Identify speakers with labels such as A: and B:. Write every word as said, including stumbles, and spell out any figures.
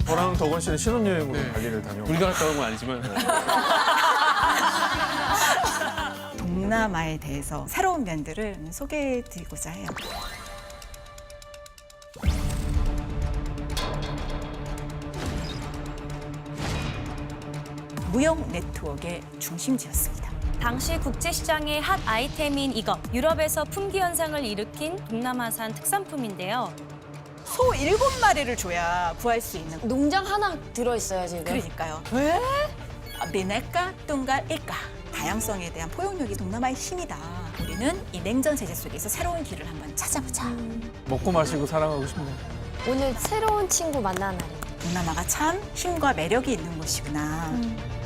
A: 저랑 덕원 씨는 신혼여행으로
B: 네.
A: 발리를 다녀오고
B: 우리가 갔다 온 건 아니지만
C: 동남아에 대해서 새로운 면들을 소개해드리고자 해요. 무역 네트워크의 중심지였습니다.
D: 당시 국제시장의 핫 아이템인 이것, 유럽에서 품귀 현상을 일으킨 동남아산 특산품인데요.
C: 소 일곱 마리를 줘야 구할 수 있는.
E: 농장 하나 들어있어요, 지금.
C: 그러니까요. 왜? 미네까 뚱가 일까. 다양성에 대한 포용력이 동남아의 힘이다. 우리는 이 냉전 세제 속에서 새로운 길을 한번 찾아보자.
A: 먹고 마시고 사랑하고 싶네요.
E: 오늘 새로운 친구 만나는 날이에요.
C: 동남아가 참 힘과 매력이 있는 곳이구나.